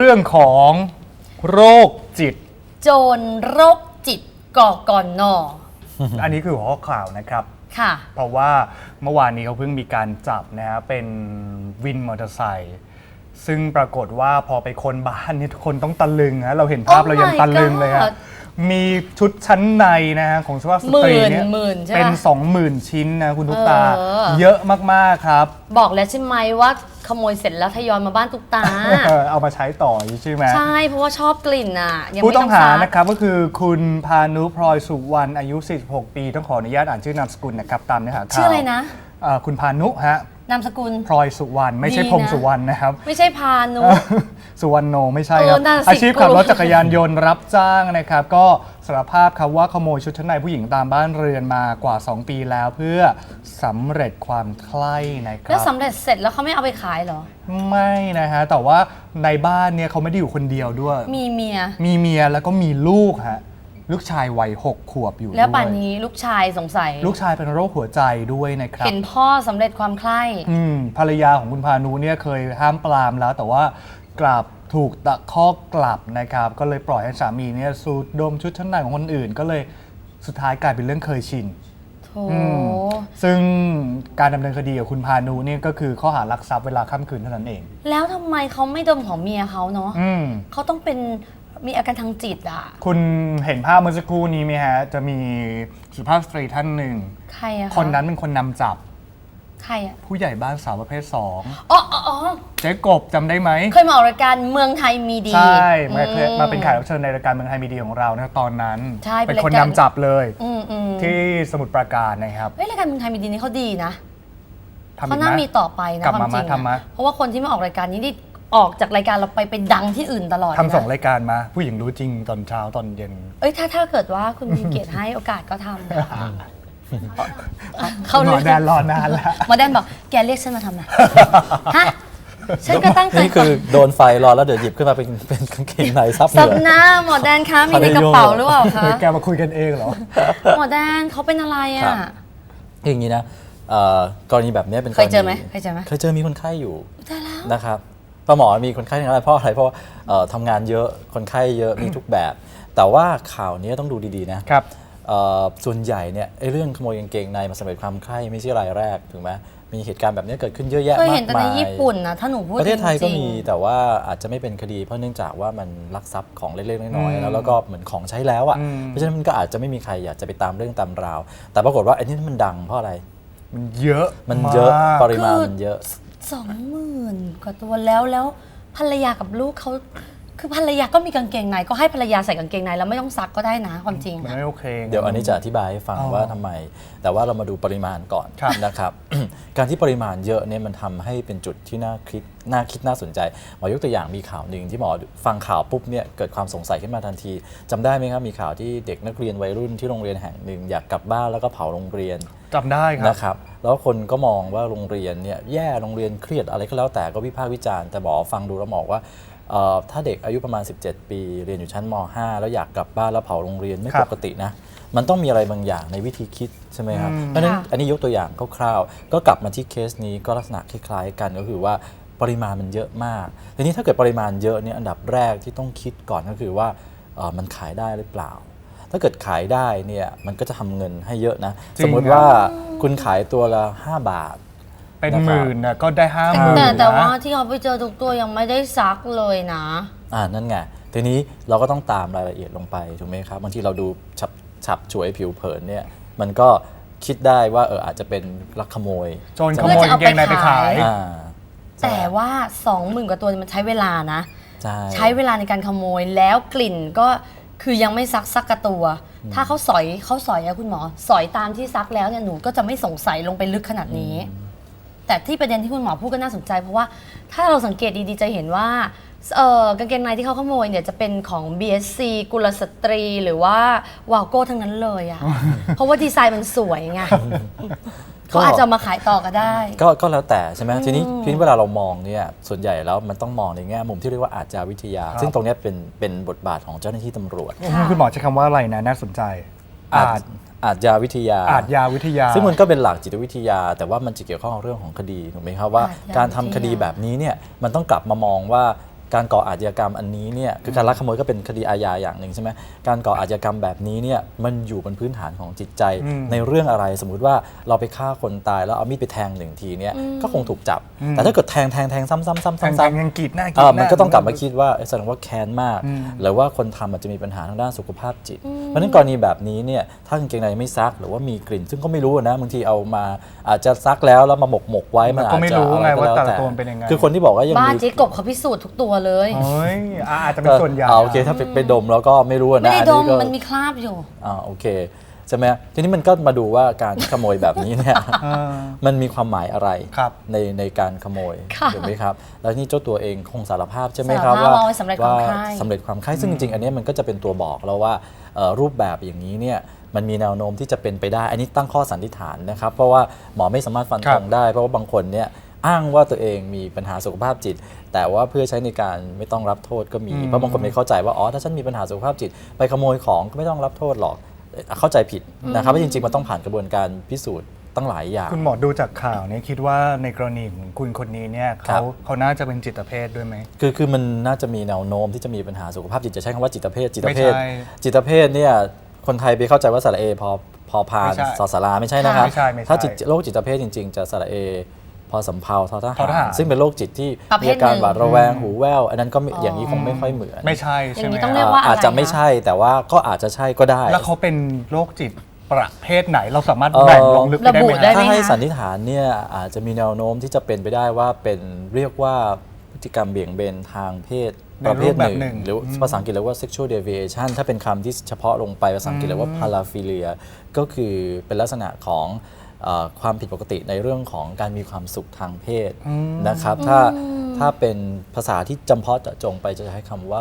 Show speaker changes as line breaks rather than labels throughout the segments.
เรื่องของโรคจิต
โจรโรคจิตกกน.
อันนี้คือหัวข้อข่าวนะครับ
ค่ะ
เพราะว่าเมื่อวานนี้เขาเพิ่งมีการจับนะฮะเป็นวินมอเตอร์ไซค์ซึ่งปรากฏว่าพอไปค้นบ้านนี่ทุกคนต้องตะลึงนะเราเห็นภาพ
Oh
เรายังตะลึงเลยครับ มีชุดชั้นในนะฮะของสุภาพสตรีเนี่ยเป็น 20,000 ชิ้นนะคุณทุกตาเยอะมากๆครับ
บอกแล้วใช่ไหมว่าขโมยเสร็จแล้วทยอยมาบ้านตุ๊กตา
เอามาใช้ต่อใช่ไหม
ใช่เพราะว่าชอบกลิ่นอ่ะ
ผู้ต้องหานะครับก็คือคุณพานุพลอยสุวรรณอายุ 46 ปีต้องขออนุญาตอ่านชื่อนามสกุลนะครับตามเนื้อหาข่าว
ชื่ออะไรนะ
คุณพานุฮะ
นามสกุล
พลอยสุวรรณไม่ใช่พงสุวรรณนะครับ
ไม่ใช่พานุ
สุวรรณโนไม่ใช่ครับอาชีพขับรถจักรยานยนต์รับจ้างนะครับก็สารภาพครับว่าขโมยชุดชั้นในผู้หญิงตามบ้านเรือนมากว่า2 ปีแล้วเพื่อสำเร็จความใคร่นะครับ
แล้วสำเร็จเสร็จแล้วเขาไม่เอาไปขายเหรอ
ไม่นะฮะแต่ว่าในบ้านเนี่ยเขาไม่ได้อยู่คนเดียวด้วย
มีเ
มียแล้วก็มีลูกฮะลูกชายวัย6 ขวบอยู่
แล้วป่านนี้ลูกชายสงสัย
ลูกชายเป็นโรคหัวใจด้วยนะครับ
เห็นพ่อสำเร็จความใคร่
ภรรยาของคุณพานุเนี่ยเคยห้ามปรามแล้วแต่ว่ากลับถูกตะคอกกลับนะครับก็เลยปล่อยให้สามีเนี่ยสูดดมชุดชั้นในของคนอื่นก็เลยสุดท้ายกลายเป็นเรื่องเคยชินซึ่งการดำเนินคดีกับคุณพานุเนี่ยก็คือข้อหารักทรัพย์เวลาค่ำคืนเท่านั้นเอง
แล้วทำไมเขาไม่ดมของเมียเขาเนาะเขาต้องเป็นมีอาการทางจิตอ่ะ
คุณเห็นภาพเมื่อสักครู่นี้ไหมฮะจะมีสุภาพสตรีท่านหนึ่ง
ใครอะ
คนนั้นเป็นคนนำจับ
ใครอะ
ผู้ใหญ่บ้านสาวประเภท2
อ๋อ
เจ๊กบจำได้ไหม
เคยมาออกรายการเมืองไทยมีดี
ใช่มาเป็นแขกรับเชิญในรายการเมืองไทยมีดีของเรานะตอนนั้นเป็นคนนำจับเลยที่สมุทรปราการนะครับ
รายการเมืองไทยมีดีนี่เขาดีนะเขาน่ามีต่อไปนะความจริงเพราะว่าคนที่มาออกรายการนี้ออกจากรายการเราไปดังที่อื่นตลอด
ทำ2 รายการมาผู้หญิงรู้จริงตอนเช้าตอนเย็น
ถ้าเกิดว่าคุณมีเกียรติให้โอกาสก็ทำ
เขาหมอแดนรอนานแล้ว
หมอแดนบอกแกเรียกฉันมาทำไมฮะฉันก็ตั้งใจ
นี่คือโดนไฟรอแล้วเดี๋ยวหยิบขึ้นมาเป็นกางเกงในซับ
หน้าหมอแดนคะมีในกระเป๋าหรือเปล่าคะ
แกมาคุยกันเองเหรอ
หมอแดนเขาเป็นอะไรอ่ะ
อย่างนี้นะกรณีแบบนี้เป็น
เคยเจอไหมเคย
เจอมีคนไข้อยู่นะครับหมอมีคนไข้ทั้งนั้นเพราะอะไรเพราะทำงานเยอะคนไข้เยอะมีทุกแบบแต่ว่าข่าวนี้ต้องดูดีๆนะครับส่วนใหญ่เนี่ยเรื่องขโมยกางเกงในมาสำเร็จความใคร่ไม่ใช่รายแรกถูกไหมมีเหตุการณ์แบบนี้เกิดขึ้นเยอะแยะมากมาย
เคยเห็นแต่ในญี่ปุ่นนะถ้าหนูพูด
ประเทศไทยก็มีแต่ว่าอาจจะไม่เป็นคดีเพราะเนื่องจากว่ามันลักทรัพย์ของเล็กๆน้อยๆแล้วก็เหมือนของใช้แล้วอ่ะเพราะฉะนั้นมันก็อาจจะไม่มีใครอยากจะไปตามเรื่องตามราวแต่ปรากฏว่าไอ้นี่มันดังเพราะอะไร
มันเยอะ
ปริมาณมันเยอะ
20,000 กว่าตัวแล้วภรรยากับลูกเขาคือภรรยาก็มีกางเกงในก็ให้ภรรยาใส่กางเกงในแล้วไม่ต้องซักก็ได้นะความจริง
ไม่โอเค
เดี๋ยวอันนี้จะอธิบายให้ฟังว่าทำไมแต่ว่าเรามาดูปริมาณก่อนนะครับ การที่ปริมาณเยอะเนี่ยมันทำให้เป็นจุดที่น่าคิดน่าสนใจหมอยกตัวอย่างมีข่าวหนึ่งที่หมอฟังข่าวปุ๊บเนี่ยเกิดความสงสัยขึ้นมาทันทีจำได้ไหมครับมีข่าวที่เด็กนักเรียนวัยรุ่นที่โรงเรียนแห่งหนึ่งอยากกลับบ้านแล้วก็เผาโรงเรียน
จำได้ครับ
นะครับแล้วคนก็มองว่าโรงเรียนเนี่ยแย่โรงเรียนเครียดอะไรก็แล้วแต่ก็วิพากษ์วิจารณ์แต่หมอฟังดูแล้วบอกว่าถ้าเด็กอายุประมาณ17 ปีเรียนอยู่ชั้นม.5 แล้วอยากกลับบ้านแล้วเผาโรงเรียนไม่ปกตินะมันต้องมีอะไรบางอย่างในวิธีคิดใช่ไหมครับเพราะฉะนั้นอันนี้ยกตัวอย่างคร่าวๆก็กลับมาที่เคสนี้ก็ลักษณะคล้ายๆกันก็คือว่าปริมาณมันเยอะมากทีนี้ถ้าเกิดปริมาณเยอะเนี่ยอันดับแรกที่ต้องคิดก่อนก็คือว่ามันขายได้หรือเปล่าถ้าเกิดขายได้เนี่ยมันก็จะทำเงินให้เยอะนะสมมติว่าคุณขายตัวละ5 บาท
เป็นหมื่นนะก็ได้50,000
แต่ว่าที่เขาไปเจอทุกตัวยังไม่ได้ซักเลยนะ
นั่นไงทีนี้เราก็ต้องตามรายละเอียดลงไปถูกไหมครับบางทีเราดูฉับฉวยผิวเผินเนี่ยมันก็คิดได้ว่าอาจจะเป็นลักขโมย
โจรขโมยกางเกงในไปขาย
แต่ว่า 20,000 กว่าตัวมันใช้เวลานะใช้เวลาในการขโมยแล้วกลิ่นก็คือยังไม่ซักสักกระตัวถ้าเขาสอยอะคุณหมอสอยตามที่ซักแล้วเนี่ยหนูก็จะไม่สงสัยลงไปลึกขนาดนี้แต่ที่ประเด็นที่คุณหมอพูดก็น่าสนใจเพราะว่าถ้าเราสังเกตดีๆจะเห็นว่ากางเกงในที่เขาขโมยเนี่ยจะเป็นของ BSC กุลสตรีหรือว่าวาโก้ทั้งนั้นเลยอะเพราะว่าดีไซน์มันสวยไงเขาอาจจะมาขายต่อก็ได้
ก็แล้วแต่ใช่ไหมทีนี้เวลาเรามองเนี่ยส่วนใหญ่แล้วมันต้องมองในแง่มุมที่เรียกว่าอาชญาวิทยาซึ่งตรงนี้เป็นบทบาทของเจ้าหน้าที่ตำรวจ
คุณหมอใช้คำว่าอะไรนะน่าสนใจ
อาชญาวิทยาซึ่งมันก็เป็นหลักจิตวิทยาแต่ว่ามันจะเกี่ยวข้องกับเรื่องของคดีถูกไหมครับว่าการทำคดีแบบนี้เนี่ยมันต้องกลับมามองว่าการก่ออาชญากรรมอันนี้เนี่ยคือการลักขโมยก็เป็นคดีอาญาอย่างหนึ่งใช่ไหมการก่ออาชญากรรมแบบนี้เนี่ยมันอยู่บนพื้นฐานของจิตใจในเรื่องอะไรสมมุติว่าเราไปฆ่าคนตายแล้วเอามีดไปแทงหนึ่งทีเนี่ยก็คงถูกจับแต่ถ้าเกิดแทงซ้ำ
ยังกรีดหน้า
มันก็ต้องกลับมาคิดว่าแสดงว่าแค้นมากหรือว่าคนทำอาจจะมีปัญหาทางด้านสุขภาพจิตเพราะฉะนั้นกรณีแบบนี้เนี่ยถ้ากางเกงในไม่ซักหรือว่ามีกลิ่นซึ่งก็ไม่รู้นะบางทีเอามาอาจจะซักแล้วมาหมกไว้มันอาจจะ
ไม่รู้ไงว่าแต่ละตัวเป็นยังไง
คือคนที่บอกว่ายัง
บ้าน
มี
เจ๊กบเขาพิสูจน์ทุกตัวเลย
เฮ้ยอาจจะเป็นส่วนใหญ่
โอเคถ้าไปดมแล้วก็ไม่รู้นะ
ไม่ได้ดม
ก็
มันมีคราบอยู่
โอเคใช่ไหมทีนี้มันก็มาดูว่าการขโมยแบบนี้เนี่ยมันมีความหมายอะไรในการขโมยถูกไหมครับแล้วนี่เจ้าตัวเองคงสารภาพใช่ไหมครับว่า
สำเร็จความใคร่
สำเร็จความใคร่ซึ่งจริงๆอันนี้มันก็จะเป็นตัวบอกแล้วว่ารูปแบบอย่างนี้เนี่ยมันมีแนวโน้มที่จะเป็นไปได้อันนี้ตั้งข้อสันนิษฐานนะครับเพราะว่าหมอไม่สามารถฟันธงได้เพราะว่าบางคนเนี่ยอ้างว่าตัวเองมีปัญหาสุขภาพจิตแต่ว่าเพื่อใช้ในการไม่ต้องรับโทษก็มีเพราะบางคนไม่เข้าใจว่าอ๋อถ้าฉันมีปัญหาสุขภาพจิตไปขโมยของก็ไม่ต้องรับโทษหรอกเข้าใจผิดนะครับว่าจริงๆมันต้องผ่านกระบวนการพิสูจน์ตั้งหลายอย่าง
คุณหมอดูจากข่าวนี้คิดว่าในกรณีของคุณคนนี้เนี่ยเขาน่าจะเป็นจิตเภทด้วยไหม
คือมันน่าจะมีแนวโน้มที่จะมีปัญหาสุขภาพจิตจะใช้คำว่าจิตเภทเนี่ยคนไทยไปเข้าใจว่าสระเอพอพานสอสาราไม่ใช่นะครับถ้าโรคจิตเภทจริงๆจะสระเอพอสำเภาทอทหารซึ่งเป็นโรคจิตที่มีอาการหวาดระแวงหูแว่วอันนั้นก็อย่างนี้คงไม่ค่อยเหมือน
ไม่ใช่ใช่ไหม
อาจจะไม่ใช่แต่ว่าก็อาจจะใช่ก็ได้
แล้วเขาเป็นโรคจิตประเภทไหนเราสามารถแบ่งลงลึกได้ไหม
ถ้าให้สันนิษฐานเนี่ยอาจจะมีแนวโน้มที่จะเป็นไปได้ว่าเป็นเรียกว่าพฤติกรรมเบี่ยงเบนทางเพศประเภทหนึ่งหรือภาษาอังกฤษเรียกว่า sexual deviation ถ้าเป็นคำที่เฉพาะลงไปภาษาอังกฤษเรียกว่า paraphilia ก็คือเป็นลักษณะของความผิดปกติในเรื่องของการมีความสุขทางเพศนะครับถ้าเป็นภาษาที่จำเพาะเจาะจงไปจะใช้คำว่า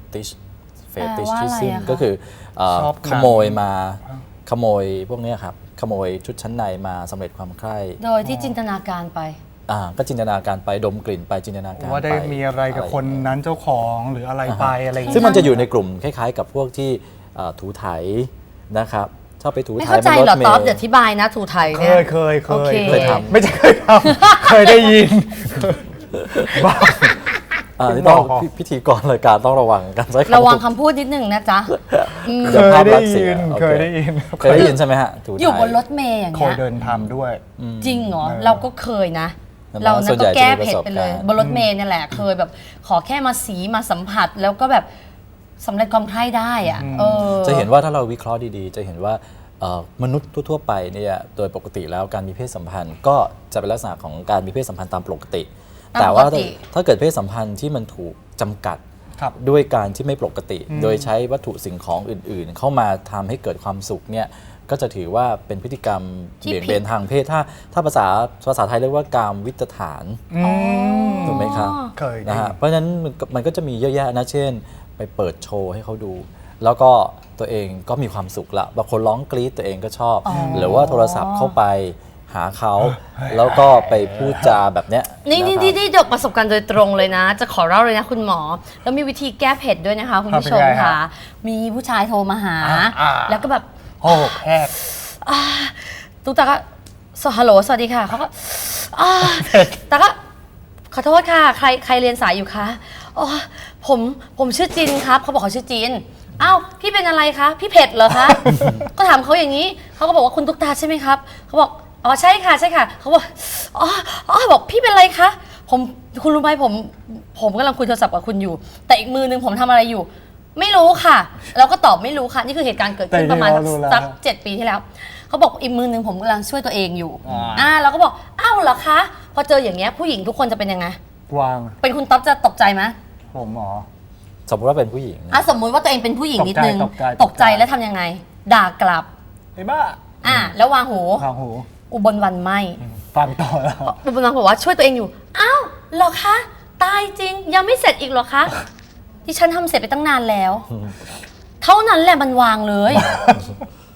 fetishism ก็คือขโมยพวกนี้ครับขโมยชุดชั้นในมาสำเร็จความใคร่
โดยที่จินตนาการไป
ก็จินตนาการไปดมกลิ่นไปจินตนาการ
ว่าได้มีอะไรกับคนนั้นเจ้าของหรืออะไรไปอะไร
ซึ่งมันจะอยู่ในกลุ่มคล้ายๆกับพวกที่ถูไถนะครับชอบไปถูไถ
ไม่เข้าใจหรอต๊อบเดี๋ยวอธิบายนะถูไถเนี่ย
เคยทำไม่ใช่เคยทำ
เค
ยได้ยิน
บ้านี่ต้องพิธีกรรายการต้องระวังกันใช้
ระวังคำพูดนิดหนึ่งนะจ๊ะ
เคยได้ยิน
ใช่ไหมฮะ
อยู่บนรถเมย์อย่างเงี้ย
เคยเดินทำด้วย
จริงเหรอเราก็เคยนะเรานั้นก็แก้เผ็ดไปเลยบนรถเมย์นี่แหละเคยแบบขอแค่มาสีมาสัมผัสแล้วก็แบบสำเร็จความใคร่ได้อะ
จะเห็นว่าถ้าเราวิเคราะห์ดีๆจะเห็นว่ามนุษย์ทั่วไปเนี่ยโดยปกติแล้วการมีเพศสัมพันธ์ก็จะเป็นลักษณะของการมีเพศสัมพันธ์ตามปกติแต่ว่าถ้าเกิดเพศสัมพันธ์ที่มันถูกจำกัดด้วยการที่ไม่ปกติโดยใช้วัตถุสิ่งของอื่นๆเข้ามาทำให้เกิดความสุขเนี่ยก็จะถือว่าเป็นพฤติกรรมเบี่ยงเบนทางเพศถ้าภาษาไทยเรียกว่ากามวิตฐานถูกไหมครับนะฮะเพราะฉะนั้นมันก็จะมีเยอะแยะนะเช่นไปเปิดโชว์ให้เขาดูแล้วก็ตัวเองก็มีความสุขละบางคนร้องกรี๊ดตัวเองก็ชอบหรือว่าโทรศัพท์เข้าไปหาเขาแล้วก็ไปพูดจาแบบเนี้ย
นี่เด็กประสบการณ์โดยตรงเลยนะจะขอเล่าเลยนะคุณหมอแล้วมีวิธีแก้เผ็ดด้วยนะคะคุณผู้ชมค่ะมีผู้ชายโทรมาหาแล้วก็แบบ
โอ้แพก
ตุ๊กตาก็ฮัลโหลสวัสดีค่ะเขาก็ตาก็ขอโทษค่ะใครเรียนสายอยู่คะอ๋อผมชื่อจินครับเขาบอกเขาชื่อจินอ้าวพี่เป็นอะไรคะพี่เผ็ดเหรอคะก็ถามเขาอย่างนี้เขาก็บอกว่าคุณตุ๊กตาใช่ไหมครับเขาบอกอ๋อใช่ค่ะเขาบอกบอกพี่เป็นอะไรคะคุณรู้ไหมผมกำลังคุยโทรศัพท์กับคุณอยู่แต่อีกมือนึงผมทำอะไรอยู่ไม่รู้ค่ะเราก็ตอบไม่รู้ค่ะนี่คือเหตุการณ์เกิดขึ้นประมาณสัก7 ปีที่แล้วเขาบอกอีกมือนึงผมกำลังช่วยตัวเองอยู่เราก็บอกอ้าวเหรอคะพอเจออย่างเงี้ยผู้หญิงทุกคนจะเป็นยังไง
วาง
เป็นคุณต๊อบจะตกใจไหม
ผมหมอ
สมมติว่าเป็นผู้หญิง
สมมุติว่าตัวเองเป็นผู้หญิงนิดนึงตกใจแล้วทำยังไงด่ากลับ
ไอ้บ้า
แล้ววางหูอุบลวันไม่
ฟังต่อแล้ว
อุบลวันบอกว่าช่วยตัวเองอยู่อ้าวเหรอคะตายจริงยังไม่เสร็จอีกเหรอคะที่ฉันทำเสร็จไปตั้งนานแล้วเท่านั้นแหละมันวางเลย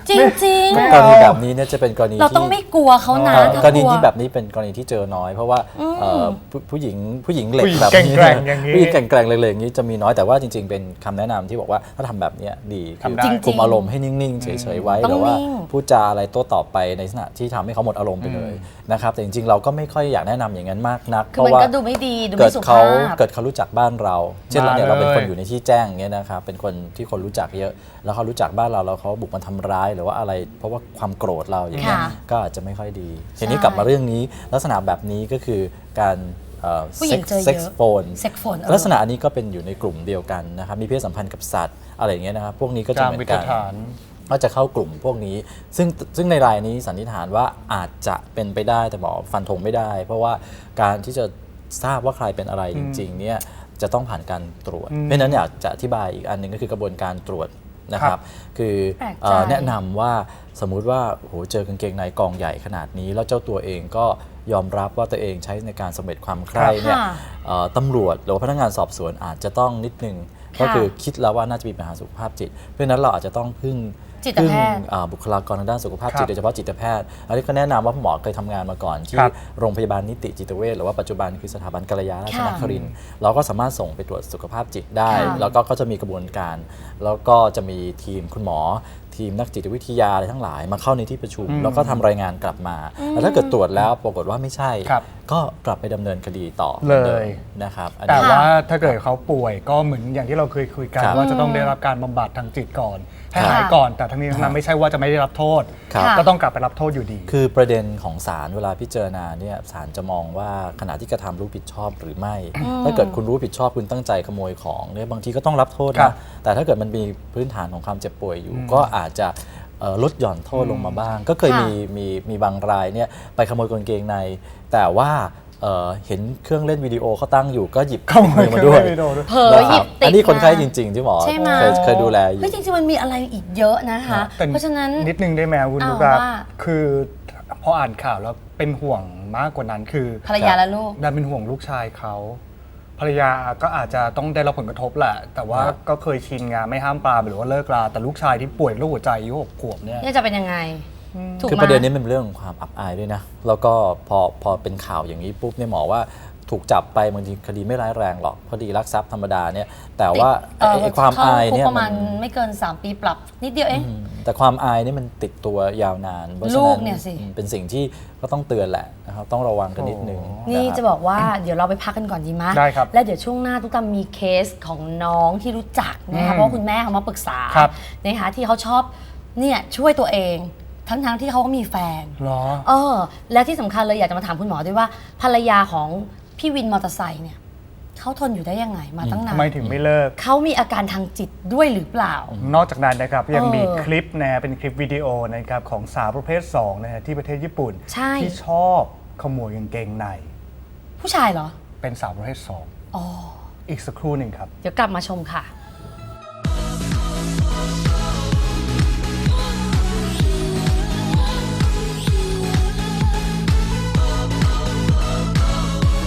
จริง
กรณีแบบนี้เนี่ยจะเป็นกรณี
ๆ เรา
ที่
ต้องไม่กลัวเขานะถ้าก
รณี
ลัว
ที่แบบนี้เป็นกรณีที่เจอน้อย เพราะว่าผู้หญิงเหล็ก
ผู้หญิง
แบบนี้
แกร่งๆอย่างนี้
ผู้หญิงแกร่งๆเลยอย่างนี้จะมีน้อยแต่ว่าจริงๆเป็นคำแนะนำที่บอกว่าถ้าทำแบบเนี้ยดีคือ
ทำได้
คุมอารมณ์ให้นิ่งๆเฉยๆไว้
ต้อง
หรือว่า
นิ่ง
พูดจาอะไรโต้ตอบไปในลักษณะที่ทำให้เขาหมดอารมณ์ไปเลยนะครับแต่จริงๆเราก็ไม่ค่อยอยากแนะนำอย่างนั้นมากนัก
คือมันก็ดูไม่ดีดู
เกิ
ไม่
ด
สุ
เขา
ภาพ
เกิดเขารู้จักบ้านเรา เช่นเราเนี่ย
มา
เราเป็นคน
เลย
อยู่ในที่แจ้งอย่างเงี้ยนะครับเป็นคนที่คนรู้จักเยอะ แล้วเขารู้จักบ้านเราแล้วเขาบุกมาทำร้ายหรือว่าอะไร เพราะว่าความโกรธเราอย่างเงี้ย
ค่ะ
ก็อาจจะไม่ค่อยดีทีนี้กลับมาเรื่องนี้ลักษณะแบบนี้ก็คือการ
ผู้หญิงเจอเยอะ
เซ็กซ์โฟน
เซ็กโฟน
ลักษณะอันนี้ก็เป็นอยู่ในกลุ่มเดียวกันนะครับมีเพศสัมพันธ์กับสัตว์อะไรอย่างเงี้ยนะครับพวกนี้ก็จะ
ตาม
เหมือ
วิ
น
ธี
กัน
ฐาน
ก็จะเข้ากลุ่มพวกนี้ ซึ่งในรายนี้สันนิษฐานว่าอาจจะเป็นไปได้แต่บอกฟันธงไม่ได้ เพราะว่าการที่จะทราบว่าใครเป็นอะไรจริงๆเนี่ยจะต้องผ่านการตรวจ เพราะฉะนั้นอยากจะอธิบายอีกอันหนึ่งก็คือกระบวนการตรวจนะครับคือ
แปลกใจ
แนะนำว่าสมมุติว่าโหเจอกางเกงในกองใหญ่ขนาดนี้ แล้วเจ้าตัวเองก็ยอมรับว่าตัวเองใช้ในการสำเร็จความใคร่เนี่ย
ค่ะ
ตำรวจหรือว่าพนักงานสอบสวนอาจจะต้องนิดนึง
ค่ะ
ก็คือคิดแล้วว่าน่าจะมีปัญหาสุขภาพจิต เพราะฉะนั้นเราอาจจะต้องพึ่ง
จิตแพทย์
บุคลากรทางด้านสุขภาพ
ครับ
จิตโดยเฉพาะจิตแพทย์อันนี้ก็แนะนำว่าหมอเคยทำงานมาก่อนที่
ครับ
โรงพยาบาลนิติจิตเวชหรือว่าปัจจุบันคือสถาบันกัลยาราชน
ค่ะ
ครินทร์เราก็สามารถส่งไปตรวจสุขภาพจิตได้
ค่ะ
แล้วก็จะมีกระบวนการ แล้วก็จะมีทีมคุณหมอ ทีมนักจิตวิทยาอะไรทั้งหลายมาเข้าในที่ประชุม แล้วก็ทำรายงานกลับมาแล้วถ้าเกิดตรวจแล้วปรากฏว่าไม่ใช่
ครับ
ก็กลับไปดำเนินคดีต่อ
เลย
หมือนดิมนะครับอัน
แต่
นี้
ว่าถ้าเกิดเขาป่วยก็เหมือนอย่างที่เราเคยคุยกัน
ครับ
ว่าจะต้องได้รับการบำบัดทางจิตก่อนให้
ครับ
หายก่อนแต่ทั้งนี้ทั้งนั้นไม่ใช่ว่าจะไม่ได้รับโทษ
ครับ
ค่ะ
ก็ต้องกลับไปรับโทษอยู่ดี
คือประเด็นของศาลเวลาพิจารณาเนี่ยศาลจะมองว่าขณะที่กระทำรู้ผิดชอบหรือไม่ ถ้าเกิดคุณรู้ผิดชอบคุณตั้งใจขโมยของเนี่ยบางทีก็ต้องรับโทษ
ครั
นะ
บ
แต่ถ้าเกิดมันมีพื้นฐานของความเจ็บป่วยอยู่ ก็อาจจะลดหย่อนโทษลงมาบ้าง ก็เคย
ค่ะ
มีบางรายเนี่ยไปขโมยกางเกงใน แต่ว่าเห็นเครื่องเล่นวิดีโอเขาตั้งอยู่ก็หยิบ
ขโมย
มาด้วย
เครื่องเล่นวิดีโอด้วย
เผลอ
นะ
ห
ค
ยิ
รับบ
ติด
อันนี้คนไข้
มา
จริง ๆ ที่หมอ
ใช่ไหม
เคยดูแลอยู่
เฮ้ยจริงๆมันมีอะไรอีกเยอะนะคะ
แต่
เพราะฉะนั้น
นิดนึงได้ไหมคุณ
อ้าว
ลูกครับ
ว่า
คือพออ่านข่าวแล้วเป็นห่วงมากกว่านั้นคือ
ภรรยาและลูก
ดันเป็นห่วงลูกชายเขาภรรยาก็อาจจะต้องได้รับผลกระทบแหละ แต่ว่า
ครับ
ก็เคยชินงานไม่ห้ามปรามหรือว่าเลิกลาแต่ลูกชายที่ป่วยโรคหัวใจอายุ6 ขวบเนี่ย
เนี่ยจะเป็นยังไง ถูก
คือ
ไหม
ประเด็นนี้มันเป็นเรื่องของความอับอายด้วยนะ แล้วก็พอเป็นข่าวอย่างนี้ปุ๊บเนี่ยหมอว่าถูกจับไปบางทีคดีไม่ร้ายแรงหรอกคดีลักทรัพย์ธรรมดาเนี่ยแต่ว่าไอ้ความอายเนี่ย
เข้คุกประ
มั
มาณ
น
ไม่เกิน 3 ปีปรับ นิดเดียวเอง
แต่ความอายนี่มันติดตัวยาวนานเพราะฉะ
ลู
นั้
ก
น
เนี่ยสิ
เป็นสิ่งที่ก็ต้องเตือนแหละนะครับต้องระวังกันนิดนึง
นี่
ครับ
จะบอกว่าเดี๋ยวเราไปพักกันก่อนดีไหม
ได้ครับ
แล้วเดี๋ยวช่วงหน้าตุ๊กตามีเคสของน้องที่รู้จักนะคะเพราะว่าคุณแม่เขามาปรึกษา
ครับ
นะคะที่เขาชอบเนี่ยช่วยตัวเอง ทั้งที่เขาก็มีแฟน
เหรอ
และที่สำคัญเลยอยากจะมาถามคุณหมอด้วยว่าภรรยาของพี่วินมอเตอร์ไซค์เนี่ยเขาทนอยู่ได้ยังไงมาตั้งนา
ทำไม
น
ถึงไม่เลิก
เขามีอาการทางจิตด้วยหรือเปล่า
นอกจากนั้นนะครับยังมี
เออ
คลิปนะเป็นคลิปวิดีโอนะครับของสาวประเภท2นะฮะที่ประเทศญี่ปุ่น
ใช่
ที่ชอบขโมยกางเกงใน
ผู้ชายเหรอ
เป็นสาวประเภท
อ๋อ
2 อีกสักครู่หนึ่งครับ
เดี๋ยวกลับมาชมค่ะ